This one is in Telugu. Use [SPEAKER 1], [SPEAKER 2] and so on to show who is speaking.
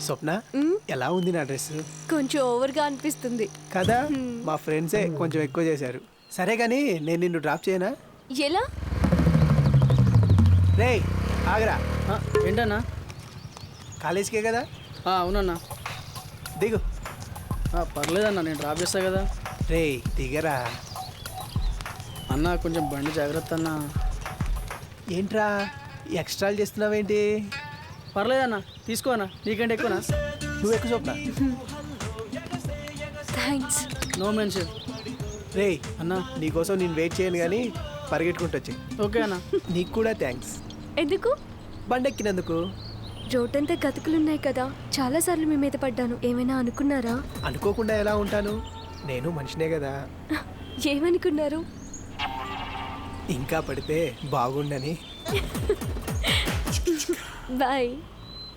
[SPEAKER 1] స్వప్న ఎలా ఉంది నా డ్రెస్?
[SPEAKER 2] కొంచెం ఓవర్గా అనిపిస్తుంది
[SPEAKER 1] కదా, మా ఫ్రెండ్సే కొంచెం ఎక్కువ చేశారు. సరే కానీ నేను నిన్ను డ్రాప్ చేయనా?
[SPEAKER 2] ఎలా?
[SPEAKER 1] రే ఆగరా,
[SPEAKER 3] ఏంటన్నా?
[SPEAKER 1] కాలేజీకే కదా,
[SPEAKER 3] అవునన్నా.
[SPEAKER 1] దిగు.
[SPEAKER 3] పర్లేదన్నా, నేను డ్రాప్ చేస్తా కదా.
[SPEAKER 1] రే దిగరా.
[SPEAKER 3] అన్న కొంచెం బండి జాగ్రత్త అన్న.
[SPEAKER 1] ఏంట్రా ఎక్స్ట్రాలు చేస్తున్నావేంటి?
[SPEAKER 3] పర్లేదన్నా, తీసుకో అన్న, నీకంటే ఎక్కువనా?
[SPEAKER 1] నువ్వు ఎక్కువ స్వప్న.
[SPEAKER 2] థ్యాంక్స్.
[SPEAKER 3] No mention.
[SPEAKER 1] రే
[SPEAKER 3] అన్నా
[SPEAKER 1] నీకోసం నేను వెయిట్ చేయను కానీ పరిగెట్టుకుంటూ వచ్చి.
[SPEAKER 3] ఓకే అన్న.
[SPEAKER 1] నీకు కూడా థ్యాంక్స్.
[SPEAKER 2] ఎందుకు?
[SPEAKER 1] బండెక్కినందుకు.
[SPEAKER 2] రోడ్డంతా గతుకులున్నాయి కదా, చాలాసార్లు మీ మీద పడ్డాను. ఏమైనా అనుకున్నారా?
[SPEAKER 1] అనుకోకుండా ఎలా ఉంటాను, నేను మనిషినే కదా.
[SPEAKER 2] ఏమనుకున్నారు?
[SPEAKER 1] ఇంకా పడితే బాగుండని.
[SPEAKER 2] బాయ్.